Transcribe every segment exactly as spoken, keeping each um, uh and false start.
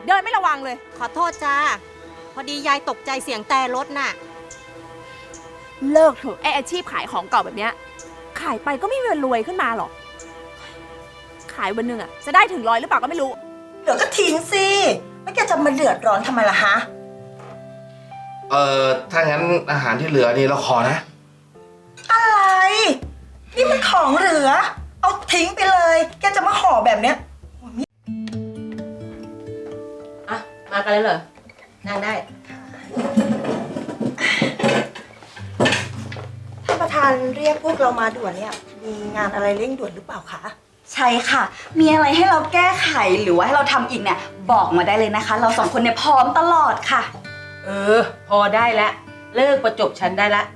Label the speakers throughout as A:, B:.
A: เดินไม่ระวังเลย
B: ขอโทษจ้าพอดียายตกใจเสียงแต่รถน่ะ
A: เลิกเถอะไออาชีพขายของเก่าแบบเนี้ยขายไปก็ไม่มีวันรวยขึ้นมาหรอกขายวันหนึ่งอะจะได้ถึงร้อยหรือเปล่าก็ไม่รู้
C: เดี๋ยวก็ทิ้งสิแล้วแกจะมาเดือดร้อนทำไมล่ะฮะ
D: เอ่อถ้างั้นอาหารที่เหลือนี่เราขอนะ
C: อะไรนี่มันของเหลือเอาทิ้งไปเลยแกจะมาห่อแบบเนี้ย
E: อ่ะมากันเลยเหรอนั่งได้
C: ท่านประธานเรียกพวกเรามาด่วนเนี่ยมีงานอะไรเร่งด่วนหรือเปล่าคะ
F: ใช่ค่ะมีอะไรให้เราแก้ไขหรือว่าให้เราทำอีกเนี่ยบอกมาได้เลยนะคะ เราสองคนเนี่ยพร้อมตลอดค่ะ
E: เออพอได้แล้วเลิกประจบฉันได้ละ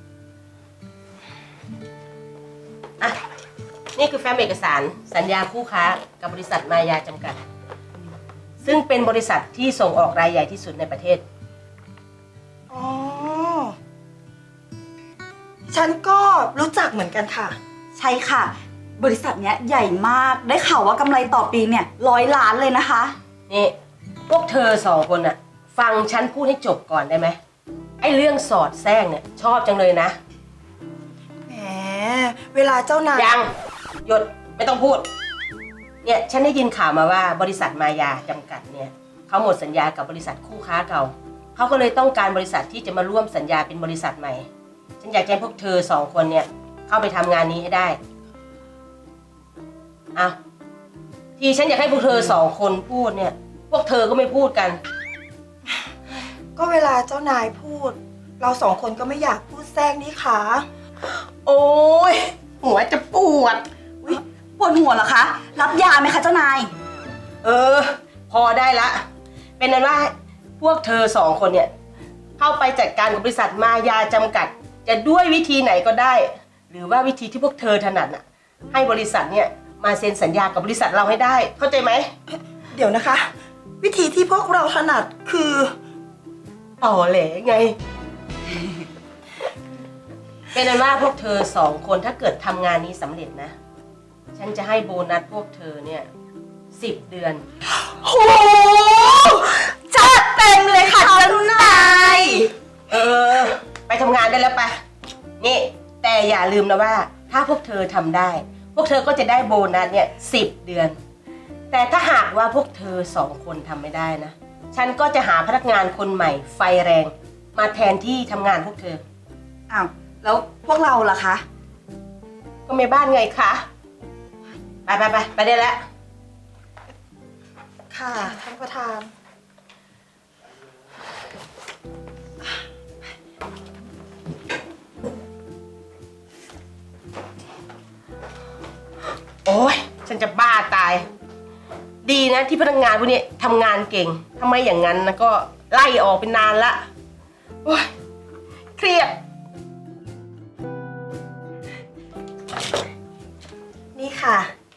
E: อ่ะนี่คือแฟ้มเอกสารสัญญาคู่ค้ากับบริษัทมายาจำกัดซึ่งเป็นบริษัทที่ส่งออกรายใหญ่ที่สุดในประเทศ
C: อ๋อฉันก็รู้จักเหมือนกันค่ะ
F: ใช่ค่ะบริษัทเนี้ยใหญ่มากได้ข่าวว่ากำไรต่อปีเนี่ยร้อยล้านเลยนะคะ
E: นี่พวกเธอสองคนน่ะฟังฉันพูดให้จบก่อนได้ไหมไอ้เรื่องสอดแทรกเนี่ยชอบจังเลยนะ
C: แหมเวลาเจ้านาย
E: ยังหยุดไม่ต้องพูดเนี่ยฉันได้ยินข่าวมาว่าบริษัทมายาจำกัดเนี่ยเขาหมดสัญญากับบริษัทคู่ค้าเก่าเขาก็เลยต้องการบริษัทที่จะมาร่วมสัญญาเป็นบริษัทใหม่ฉันอยากให้พวกเธอสองคนเนี่ยเข้าไปทำงานนี้ให้ได้อ้าวที่ฉันอยากให้พวกเธอสองคนพูดเนี่ยพวกเธอก็ไม่พูดกัน
C: ก็เวลาเจ้านายพูดเราสองคนก็ไม่อยากพูดแทรกนี่ค่ะ
E: โอ้ยหัวจะปวด
F: ปวดหัวเหรอคะรับยาไหมคะเจ้านาย
E: เออพอได้ละเป็นนั้นว่าพวกเธอสองคนเนี่ยเข้าไปจัดการกับบริษัทมายาจำกัดจะด้วยวิธีไหนก็ได้หรือว่าวิธีที่พวกเธอถนัดน่ะให้บริษัทเนี่ยมาเซ็นสัญญากับบริษัทเราให้ได้เข้าใจไหม
C: เดี๋ยวนะคะวิธีที่พวกเราถนัดคือ
E: ต่อแหลไง เป็นนั้นว่าพวกเธอสองคนถ้าเกิดทำงานนี้สำเร็จนะฉันจะให้โบนัสพวกเธอเนี่ยสิบเดือน
C: โหจัดเต็มเลยค่ะเจ้านาย
E: เออไปทำงานได้แล้วไปนี่แต่อย่าลืมนะว่าถ้าพวกเธอทำได้พวกเธอก็จะได้โบนัสเนี่ยสิบเดือนแต่ถ้าหากว่าพวกเธอสองคนทำไม่ได้นะฉันก็จะหาพนักงานคนใหม่ไฟแรงมาแทนที่ทำงานพวกเธอ
F: อ้าวแล้วพวกเราล่ะคะ
E: ก็แม่บ้านไงคะไปไปไปไปได้แล้ว
C: ค่ะท่านประธาน
E: โอ๊ยฉันจะบ้าตายดีนะที่พนักงานพวกนี้ทำงานเก่งทำไมอย่างนั้นนะก็ไล่ออกเป็นนานละโอ๊ยเครียด
C: นี่ค่ะ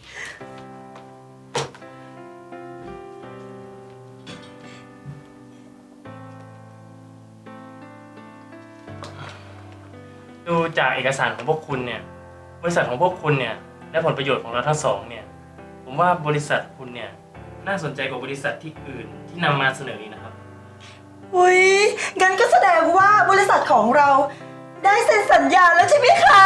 G: ดูจากเอกสารของพวกคุณเนี่ยบริษัทของพวกคุณเนี่ยและผลประโยชน์ของเราทั้งสองเนี่ยผมว่าบริษัทคุณเนี่ยน่าสนใจกว่าบริษัทที่อื่นที่นำมาเสนออีกนะครับ
C: อุ้ยงั้นก็แสดงว่าบริษัทของเราได้เซ็นสัญญาแล้วใช่ไหมคะ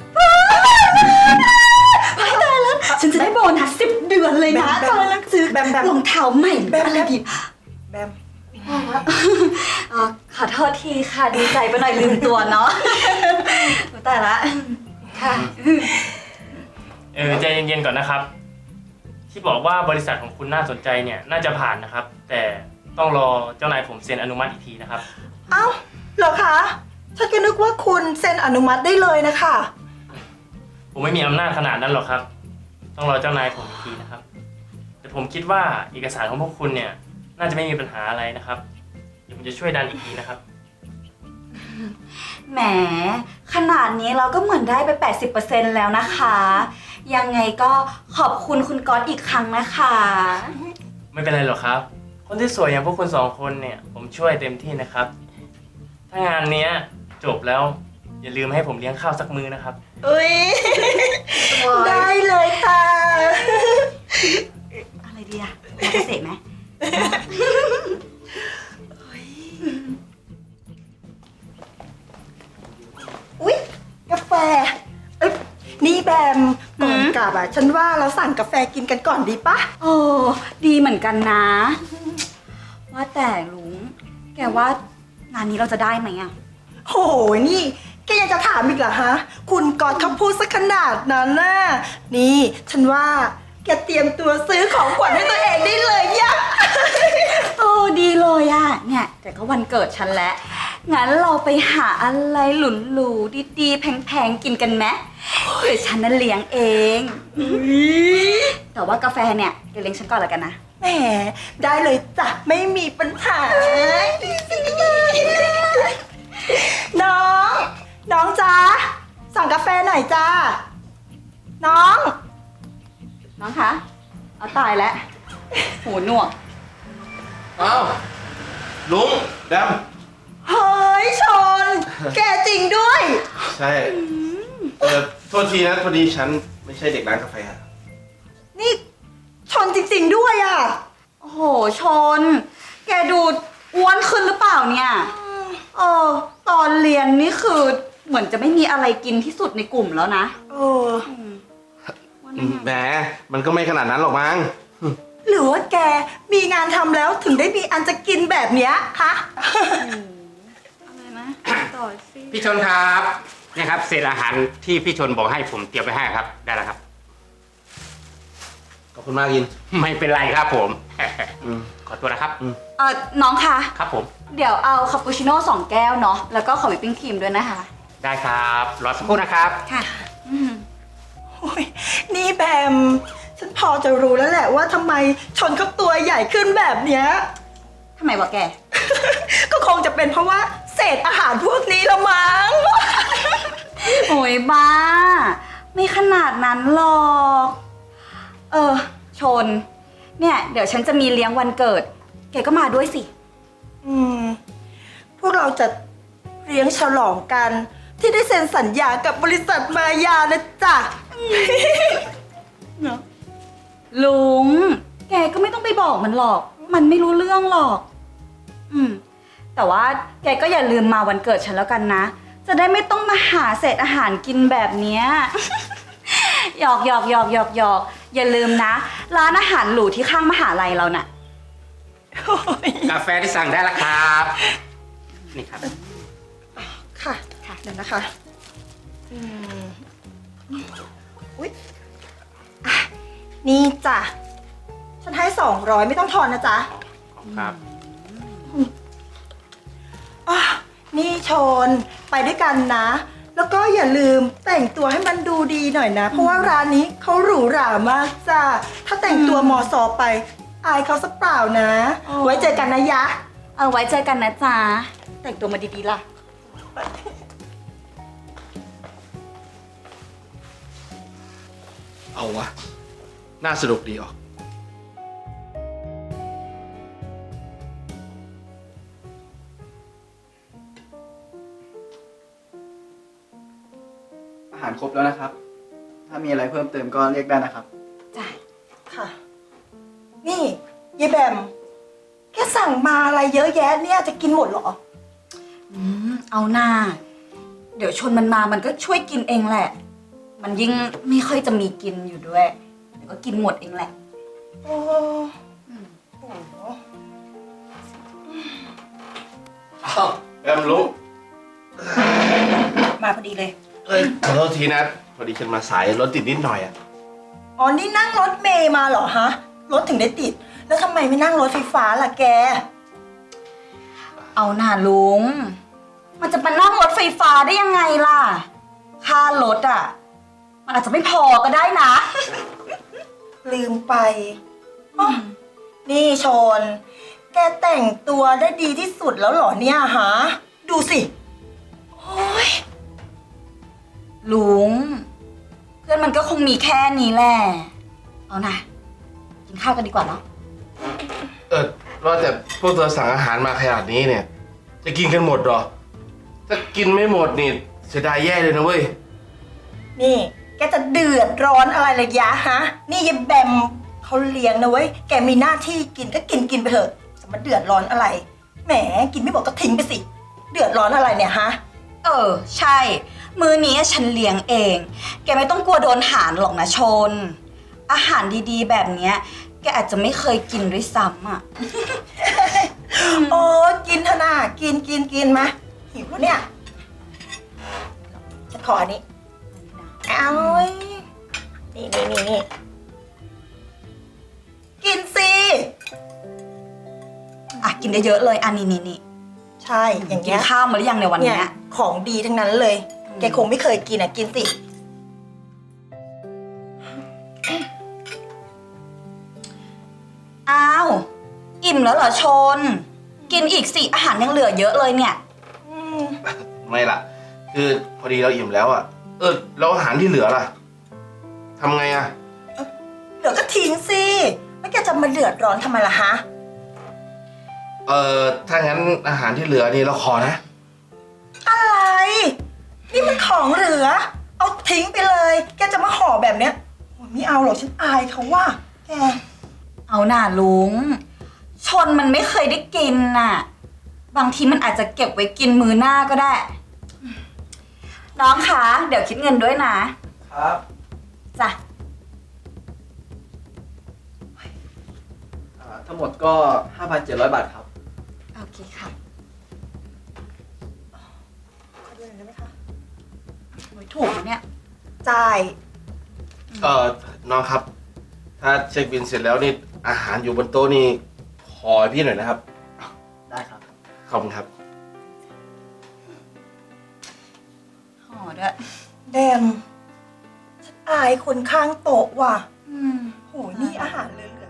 F: ไม่ได้แล้วฉันจะได้โบนัสสิบเดือนเลยนะตอนนั้นซื้อรองเท้าใหม่อะไรดี
C: แบม
F: ขอโทษทีค่ะดีใจไปหน่อยลืมตัวเนาะแต่ละค่ะ
G: เออใจเย็นๆก่อนนะครับที่บอกว่าบริษัทของคุณน่าสนใจเนี่ยน่าจะผ่านนะครับแต่ต้องรอเจ้านายผมเซ็นอนุมัติอีกทีนะครับ
C: เอ้าเหรอคะฉันก็นึกว่าคุณเซ็นอนุมัติได้เลยนะคะ
G: ผมไม่มีอำนาจขนาดนั้นหรอกครับต้องรอเจ้านายผมอีกทีนะครับแต่ผมคิดว่าเอกสารของพวกคุณเนี่ยน่าจะไม่มีปัญหาอะไรนะครับเดี๋ยวผมจะช่วยดันอีกทีนะครับ
F: แหมขนาดนี้เราก็เหมือนได้ไป แปดสิบเปอร์เซ็นต์ แล้วนะคะยังไงก็ขอบคุณคุณก๊อตอีกครั้งนะคะ
G: ไม่เป็นไรหรอกครับคนที่สวยอย่างพวกคุณสองคนเนี่ยผมช่วยเต็มที่นะครับถ้างานนี้จบแล้วอย่าลืมให้ผมเลี้ยงข้าวสักมื้อนะครับ
C: อุ้ยได้เลยค่ะ
F: อะไรดีอะมาเกษตรไหม
C: อุ๊ย กาแฟ เอ้ยนี่แบมก่อนกลับอ่ะ ฉันว่าเราสั่งกาแฟกินกันก่อนดีปะ
F: โอ้ดีเหมือนกันนะ ว่าแต่ลุง แกว่างานนี้เราจะได้ไหมอะ
C: โหนี่ แกยังจะถามอีกเหรอฮะ คุณกอดเขาพูดสักขนาดนั้นน่ะ นี่ ฉันว่าแกเตรียมตัวซื้อของขวัญให้ตัวเองได้เลยยะ
F: โอ้ดีเลยอะเนี่ย แต่ก็วันเกิดฉันแล้ว งั้นเราไปหาอะไรหลุนหรูๆดีๆ แพงๆ กินกันไหมเดี๋ยวฉันนั่นเลี้ยงเอง แต่ว่ากาแฟเนี่ยเดี๋ยวเลี้ยงฉันก่อนแล้วกันนะ
C: แหม ได้เลยจ้ะ ไม่มีปัญหาดีสิน้อง น้องจ้าสั่งกาแฟหน่อยจ้า น้อง
F: น้องคะ เอาตายแล้ว หูหนวก
D: เอ้าลุงแดม
C: เฮ้ยชน แกจริงด้วย
D: ใช่ เออโทษทีนะพอดีฉันไม่ใช่เด็กร้านกาแฟอะ
C: นี่ชนจริงๆด้วยอ่ะ
F: โอ้โห ชน แกดูอ้วนขึ้นหรือเปล่าเนี่ย เออ ตอนเรียนนี่คือเหมือนจะไม่มีอะไรกินที่สุดในกลุ่มแล้วนะ
C: เออ
F: อ้วนได้ไง
D: แหมมันก็ไม่ขนาดนั้นหรอกมั้ง
C: หรือว่าแกมีงานทำแล้วถึงได้มีอันจะกินแบบเนี้ยฮะ
F: อะไรนะต่อสิ
H: พี่ชนครับเนี่ยครับเศษอาหารที่พี่ชนบอกให้ผมเตรียมไปให้ครับ ได้แล้วครับ
D: ขอบคุณมากยิน
H: ไม่เป็นไรครับผม
D: อืม
H: ขอตัวนะครับ
F: เออน้องคะ
H: ครับผม
F: เดี๋ยวเอาคาปูชิโน่สองแก้วเนาะ แล้วก็ขอวิปปิ้งครีมด้วยนะคะ
H: ได้ครับรอสักครู่นะครับ
F: ค่ะ อืม
C: โอ้ยนี่แบม ฉันพอจะรู้แล้วแหละว่าทำไมชนเขาตัวใหญ่ขึ้นแบบเนี้ย
F: ทำไมวะแก
C: ก็คงจะเป็นเพราะว่าเศษอาหารพวกนี้ละมั้ง
F: โอ้ยบ้า ไม่ขนาดนั้นหรอก เออ ชน เนี่ย เดี๋ยวฉันจะมีเลี้ยงวันเกิด แกก็มาด้วยสิ
C: อืม พวกเราจะเลี้ยงฉลองกัน ที่ได้เซ็นสัญญากับบริษัทมายานะจ๊ะ
F: ลุง แกก็ไม่ต้องไปบอกมันหรอก มันไม่รู้เรื่องหรอก อืม แต่ว่าแกก็อย่าลืมมาวันเกิดฉันแล้วกันนะ จะได้ไม่ต้องมาหาเศษอาหารกินแบบเนี้ย หยอกหยอกหยอกหยอกหยอกอย่าลืมนะ ร้านอาหารหรูที่ข้างมหาลัยเราน่ะ
H: กาแฟที่สั่งได้แล้วครับ นี่ครับ
C: ค่ะ ค่ะเดี๋ยวนะคะอืมอุ๊ยอ่ะนี่จ้ะ ฉันให้สองร้อยไม่ต้องทอนนะจ๊ะ
H: ครับ
C: อ่ะนี่ชนไปด้วยกันนะ แล้วก็อย่าลืมแต่งตัวให้มันดูดีหน่อยนะ เพราะว่าร้านนี้เขาหรูหรามากจ้ะ ถ้าแต่งตัวมอซอไป อายเขาสักเปล่านะ
F: อ๋อ
C: ไว้เจอกันนะยะ
F: เอาไว้เจอกันนะจ๊ะ แต่งตัวมาดีๆล่ะ
D: เอาวะ น่าสนุกดีออก
I: อาหารครบแล้วนะครับ ถ้ามีอะไรเพิ่มเติมก็เรียกได้นะครับ
F: จ้ะ
C: ค่ะ นี่ยายแบม แกสั่งมาอะไรเยอะแยะเนี่ยจะกินหมดเหรอ
F: อืม เอาหน้า เดี๋ยวชนมันมา มันก็ช่วยกินเองแหละ มันยิ่งไม่ค่อยจะมีกินอยู่ด้วย เดี๋ยวก็กินหมดเองแหละ
C: โอ้โห
D: อ้าวแบมลุง
C: มาพอดีเลย
D: เอ้ยขอโทษทีนะ พอดีฉันมาสายรถติดนิดหน่อยอะ
C: อ๋อ นี่นั่งรถเมย์มาเหรอฮะ รถถึงได้ติด แล้วทำไมไม่นั่งรถไฟฟ้าล่ะแก
F: เอาหน้าลุง มันจะมานั่งรถไฟฟ้าได้ยังไงล่ะ ค่ารถอ่ะ มันอาจจะไม่พอก็ได้นะ
C: ลืมไปอ๋อนี่ชน แกแต่งตัวได้ดีที่สุดแล้วเหรอเนี่ยฮะ ดูสิ โอ้ย
F: ลุง เพื่อนมันก็คงมีแค่นี้แหละ เอานะ กินข้าวกันดีกว่าเนาะ
D: เออว่าแต่พวกเธอสั่งอาหารมาขนาดนี้เนี่ย จะกินกันหมดเหรอ ถ้ากินไม่หมดนี่เสียดายแย่เลยนะเว้ย
C: นี่ แกจะเดือดร้อนอะไรเลยยะฮะ นี่ยายแบมเขาเลี้ยงนะเว้ย แกมีหน้าที่กินก็กินกินไปเถอะจะมาเดือดร้อนอะไร แหมกินไม่หมดก็ทิ้งไปสิ เดือดร้อนอะไรเนี่ยฮะ
F: เออ ใช่ มื้อนี้ฉันเลี้ยงเอง แกไม่ต้องกลัวโดนหารหรอกนะชน อาหารดีๆ แบบเนี้ย แกอาจจะไม่เคยกินด้วยซ้ำอ่ะ
C: โอ้กินเถอะนะกินกินกินมาหิวแล้วเนี่ยฉันขออันนี้เอาเว้ยนี่นี่นี่นี่กินสิ
F: อ่ะ กินได้เยอะเลยอันนี้นี่นี่
C: ใช่อย่าง
F: กิน
C: เงี้ย
F: ข้าวมาหรือยังในวัน
C: เนี่
F: เนี้
C: ย
F: ย
C: ของดีทั้งนั้นเลย แกคงไม่เคยกินอ่ะกินสิ
F: อ้าว อิ่มแล้วเหรอชน กินอีกสิอาหารยังเหลือเยอะเลยเนี่ย
C: อืม
D: ไม่ล่ะ คือพอดีเราอิ่มแล้วอ่ะ เออแล้วอาหารที่เหลือล่ะทำไงอ่ะ
C: เดี๋ยวก็ทิ้งสิแล้วแกจะมาเดือดร้อนทำไมล่ะฮะ
D: เออถ้างั้นอาหารที่เหลือนี่เราขอนะ
C: อะไร นี่มันของเหลือ เอาทิ้งไปเลย แกจะมาห่อแบบเนี้ยโอ้ยไม่เอาหรอกฉันอายเขาว่า แก
F: เอาหน่าลุง ชนมันไม่เคยได้กินน่ะ บางทีมันอาจจะเก็บไว้กินมื้อหน้าก็ได้ น้องคะ เดี๋ยวคิดเงินด้วยนะครับ จ้ะ
I: อ่าทั้งหมดก็ ห้าพันเจ็ดร้อย บาทครับ
F: โอเคค่ะ
C: ขอดูหน่อยได้ไหมคะ
F: โอ้ยถูกนะเนี่ย
C: จ่าย
D: เออน้องครับ ถ้าเช็คบินเสร็จแล้วนี่อาหารอยู่บนโต๊ะนี่ขอให้พี่หน่อยนะครับ
I: ได้ครับ
D: ขอบคุณครับ
F: ห่อด้วย
C: แดมฉันอายคนข้างโต๊ะว่ะ
F: อืม
C: โหยนี่อาหารเหลือ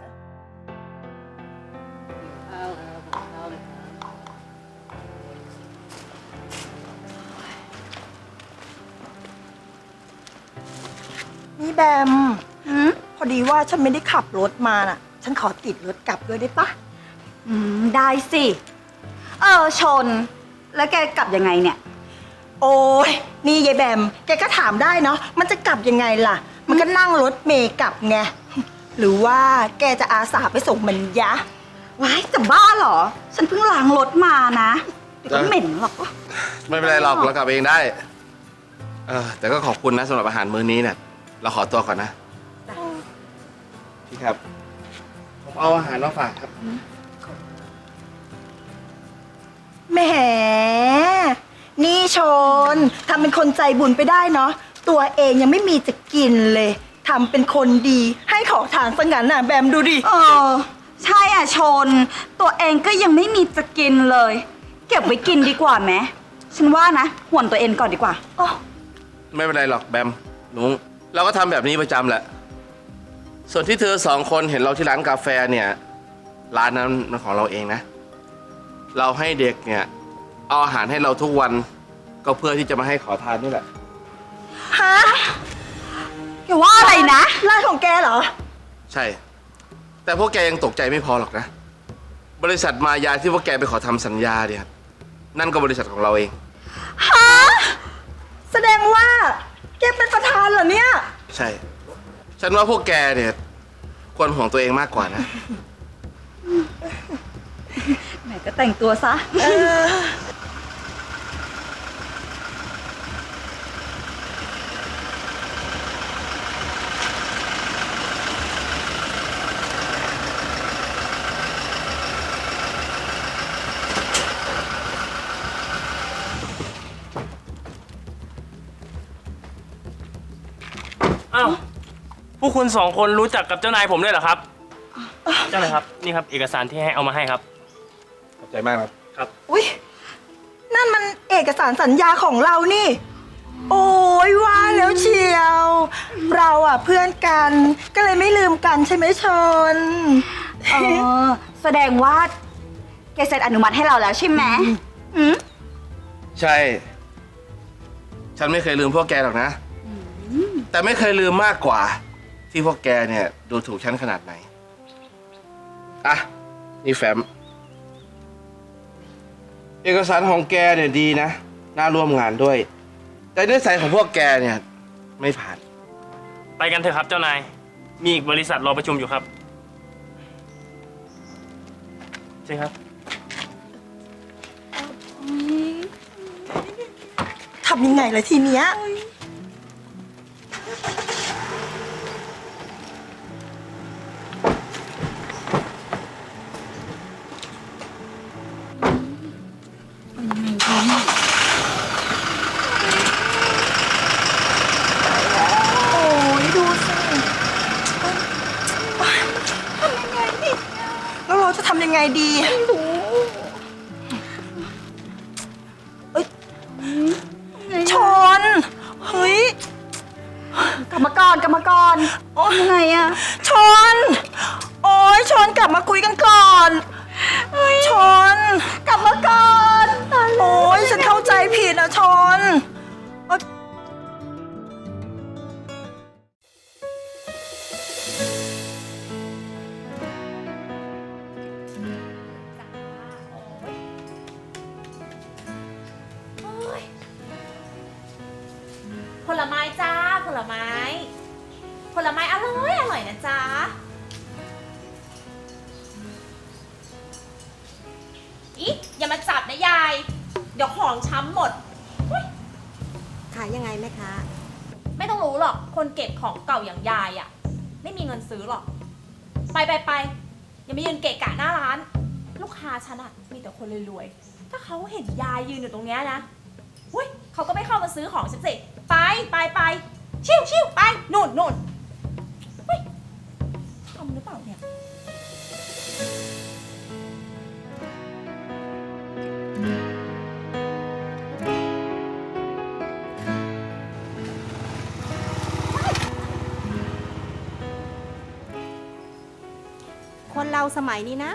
C: ๆนี่แบม
F: อืม
C: พอดีว่าฉันไม่ได้ขับรถมาน่ะ ฉันขอติดรถกลับด้วยได้ปะ
F: อืม ได้สิ เออ ชน แล้วแกกลับยังไงเนี่ย
C: โอ้ยนี่ยายแบม แกก็ถามได้เนาะ มันจะกลับยังไงล่ะ มันก็นั่งรถเมย์กลับไง หรือว่าแกจะอาสาไปส่งมันยะ
F: ว้ายจะบ้าเหรอ ฉันเพิ่งล้างรถมานะ เดี๋ยวก็เหม็นหรอก
D: ไม่เป็นไรหรอกเรากลับเองได้ เออแต่ก็ขอบคุณนะสำหรับอาหารมื้อนี้เนี่ยเราขอตัวก่อนนะพี่ครับ ผมเอาอาหารมาฝากครับ
C: แหม นี่ชนทำเป็นคนใจบุญไปได้เนาะ ตัวเองยังไม่มีจะกินเลยทำเป็นคนดีให้ขอทานซะงั้นน่ะแบมดูดิ
F: เออ ใช่อ่ะชน ตัวเองก็ยังไม่มีจะกินเลย เก็บไว้กินดีกว่าไหมฉันว่านะห่วนตัวเองก่อนดีกว่า
D: ไม่เป็นไรหรอกแบมลุงเราก็ทำแบบนี้ประจำแหละ ส่วนที่เธอสองคนเห็นเราที่ร้านกาแฟเนี่ย ร้านนั้นมันของเราเองนะ เราให้เด็กเนี่ยเอาอาหารให้เราทุกวัน ก็เพื่อที่จะมาให้ขอทานนี่แหละ
C: ฮะ
F: แกว่าอะไรนะ
C: ร้านของแกเหรอ
D: ใช่ แต่พวกแกยังตกใจไม่พอหรอกนะ บริษัทมายาที่พวกแกไปขอทำสัญญาเนี่ยนั่นก็บริษัทของเราเอง
C: ฮะ แสดงว่าแกเป็นประธานเหรอเนี่ย
D: ใช่ ฉันว่าพวกแกเนี่ยควรห่วงตัวเองมากกว่านะ
F: ไหนก็แต่งตัวซะ
C: เออ
G: อ้าวพวกคุณสองคนรู้จักกับเจ้านายผมด้วยเหรอครับ เจ้านายครับ นี่ครับเอกสารที่ให้เอามาให้ครับ
D: ขอบใจมากครับ
G: ครับ
C: อุ๊ย นั่นมันเอกสารสัญญาของเรานี่ โอ้ยว่าแล้วเชียว เราอ่ะเพื่อนกัน ก็เลยไม่ลืมกันใช่ไหมชน
F: เออ แสดงว่าแกเซ็นอนุมัติให้เราแล้วใช่ไหมอืม
D: ใช่ ฉันไม่เคยลืมพวกแกหรอกนะ แต่ไม่เคยลืมมากกว่า ที่พวกแกเนี่ยดูถูกฉันขนาดไหน อ่ะ นี่แฟ้ม เอกสารของแกเนี่ยดีนะ น่าร่วมงานด้วย แต่นิสัยของพวกแกเนี่ยไม่ผ่าน
G: ไปกันเถอะครับเจ้านาย มีอีกบริษัทรอประชุมอยู่ครับใช่ครับ
C: ทำยังไงเลยทีเนี้ย โอ้ยดูสิโอ๊ยทำยังไงดีแล้วเราจะทำยังไงดีไม่รู้เอ้ยชน เฮ้ย
F: กรรมกรกรรมกร
C: โอ๊ย
F: ยังไงอะ
C: ชน โอ้ยชนกลับมาคุยกันก่อนชน
F: กรรมกรตายแล้ว
C: โอ้ยฉันเข้าใจผิดนะชนโอ๊ย
A: ผลไม้จ้าผลไม้ ผลไม้อร่อยอร่อยนะจ๊ะอีอย่ามาจับนะยาย เดี๋ยวของช้ำหมด
B: ขายยังไงแม่ค้า
A: ไม่ต้องรู้หรอก คนเก็บของเก่าอย่างยายอะ่ะ ไม่มีเงินซื้อหรอก ไปไปไปอย่ามายืนเกะกะหน้าร้าน ลูกค้าฉันอะ่ะมีแต่คนรวยๆ ถ้าเขาเห็นยายยืนอยู่ตรงเนี้ยนะอุ้ยเขาก็ไม่เข้ามาซื้อของฉันสิ ไปไปไปชิวชิวไปนู่นนู่นเฮ้ยทำหรือเปล่าเนี่ย
B: คนเราสมัยนี้นะ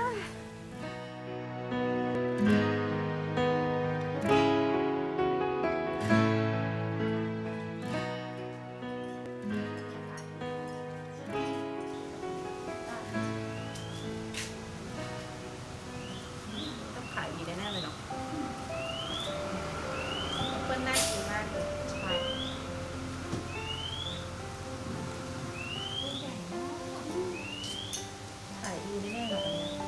A: ต้องขายดีแน่ๆเลยเนาะเปิ้ลน่ากินมากเลยใช่ขายดีแน่ๆเลย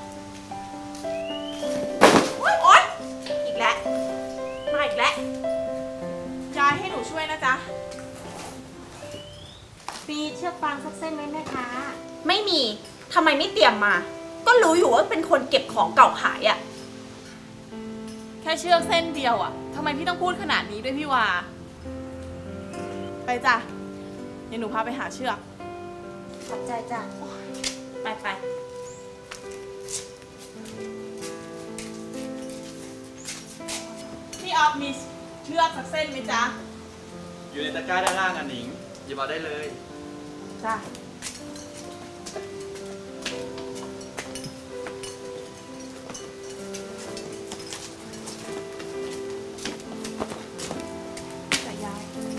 A: โอ๊ยโอ๊ยอีกแล้ว มาอีกแล้วยายให้หนูช่วยนะจ๊ะ
B: ปีเชือกฟางสักเส้นไหมแม่ค้า
A: ไม่มี ทำไมไม่เตรียมมา ก็รู้อยู่ว่าเป็นคนเก็บของเก่าขายอะ
J: แค่เชือกเส้นเดียวอะทำไมพี่ต้องพูดขนาดนี้ด้วยพี่วา ไปจ้ะ เดี๋ยวหนูพาไปหาเชือก
B: ขอบใจจ้ะ
A: ไปไป
J: พี่ออฟมีเชือกสักเส้นไหมจ๊ะ
I: อยู่ในตะกร้าด้านล่างอันหนิงหยิบเอาได้เลย
J: จ้ะ แต่ยาย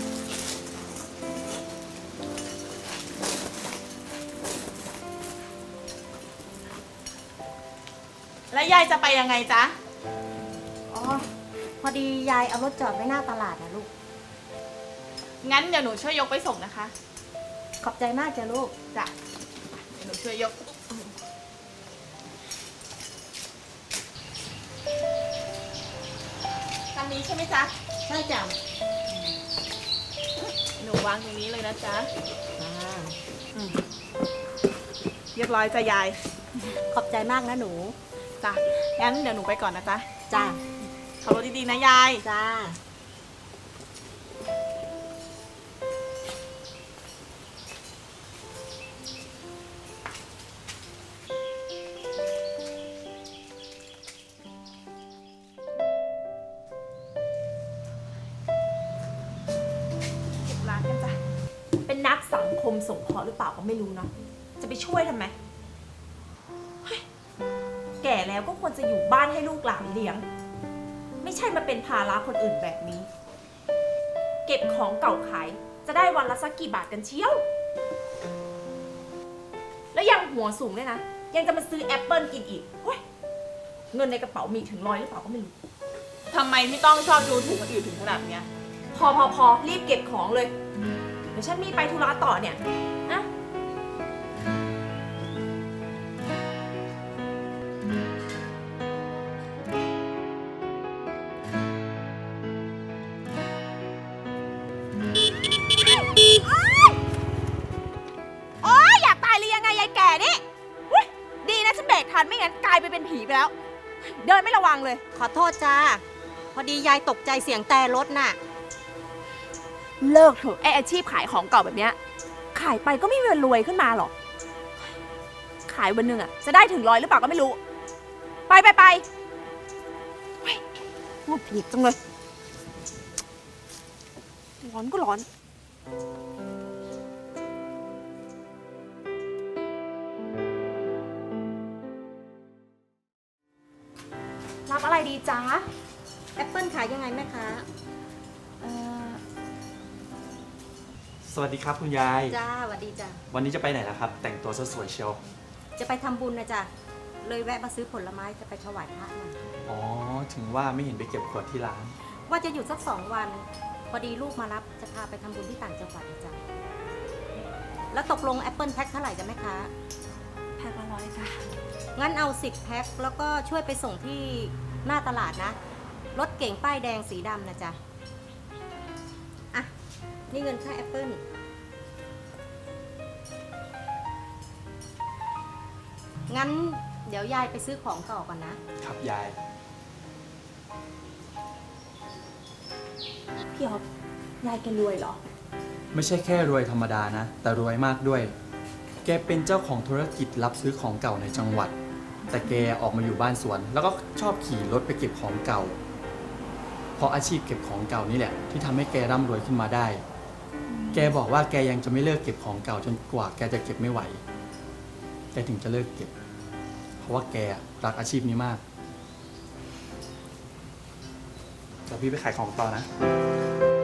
J: แล้วยายจะไปยังไงจ๊ะ
B: อ๋อ พอดียายเอารถจอดไว้หน้าตลาดนะลูก
J: งั้นเดี๋ยวหนูช่วยยกไปส่งนะคะ
B: ขอบใจมากจ้ะลูก
J: จ้ะ เดี๋ยวหนูช่วยยก คันนี้ใช่ไหมจ๊ะ
B: ใช่จ้ะ
J: หนูวางตรงนี้เลยนะจ๊ะ
B: อ่า
J: เรียบร้อยจ้ะยาย
B: ขอบใจมากนะหนู
J: จ้ะ งั้นเดี๋ยวหนูไปก่อนนะจ๊ะ
B: จ้ะ
J: ขับรถดีๆนะยาย
B: จ้า
J: เก็บร้านกันจ้ะ
A: เป็นนักสังคมสงเคราะห์หรือเปล่าก็ไม่รู้เนาะ จะไปช่วยทำไมเฮ้ยแก่แล้วก็ควรจะอยู่บ้านให้ลูกหลานเลี้ยง ไม่ใช่มาเป็นภาระคนอื่นแบบนี้ เก็บของเก่าขายจะได้วันละสักกี่บาทกันเชียว แล้วยังหัวสูงด้วยนะ ยังจะมาซื้อแอปเปิลกินอีกเฮ้ยเงินในกระเป๋ามีถึงร้อยหรือเปล่าก็ไม่รู้
J: ทำไมพี่ต้องชอบดูถูกคนอื่นถึงขนาดเนี้ย
A: พอพอพอรีบเก็บของเลย เดี๋ยวฉันมีไปธุระต่อเนี่ยนะไปแล้ว เดินไม่ระวังเลย
B: ขอโทษจ้า พอดียายตกใจเสียงแต่รถน่ะ
A: เลิกเถอะไออาชีพขายของเก่าแบบเนี้ยขายไปก็ไม่มีวันรวยขึ้นมาหรอก ขายวันหนึ่งอะจะได้ถึงร้อยหรือเปล่าก็ไม่รู้ ไปไปไปเฮ้ยงุดหงิดจังเลย ร้อนก็ร้อน รับอะไรดีจ๊ะ
B: แอปเปิลขายยังไงแม่ค้า
A: เอ่อ
K: สวัสดีครับคุณยาย
B: จ้าสวัสดีจ้า
K: วันนี้จะไปไหนล่ะครับ แต่งตัวสวยๆเชียว
B: จะไปทำบุญนะจ้ะ เลยแวะมาซื้อผลไม้จะไปถวายพระหน่อย
K: อ๋อ ถึงว่าไม่เห็นไปเก็บขวดที่ร้าน
B: ว่าจะหยุดสักสองวัน พอดีลูกมารับจะพาไปทำบุญที่ต่างจังหวัดนะจ้ะ แล้วตกลงแอปเปิลแพ็คเท่าไหร่จ้ะแม่ค้า
A: แพ็คละร้อยจ้ะ
B: งั้นเอาสิบแพ็คแล้วก็ช่วยไปส่งที่หน้าตลาดนะ รถเก่งป้ายแดงสีดำนะจ๊ะ อ่ะ นี่เงินค่าแอปเปิลงั้นเดี๋ยวยายไปซื้อของต่อก่อนนะ
K: ครับยาย
A: พี่อ๊อฟยายแกรวยเหรอ
K: ไม่ใช่แค่รวยธรรมดานะ แต่รวยมากด้วย แกเป็นเจ้าของธุรกิจรับซื้อของเก่าในจังหวัด แต่แกออกมาอยู่บ้านสวน แล้วก็ชอบขี่รถไปเก็บของเก่า เพราะอาชีพเก็บของเก่านี่แหละ ที่ทำให้แกร่ำรวยขึ้นมาได้ แกบอกว่าแกยังจะไม่เลิกเก็บของเก่าจนกว่าแกจะเก็บไม่ไหว แกถึงจะเลิกเก็บ เพราะว่าแกรักอาชีพนี้มากเดี๋ยวพี่ไปขายของต่อนะ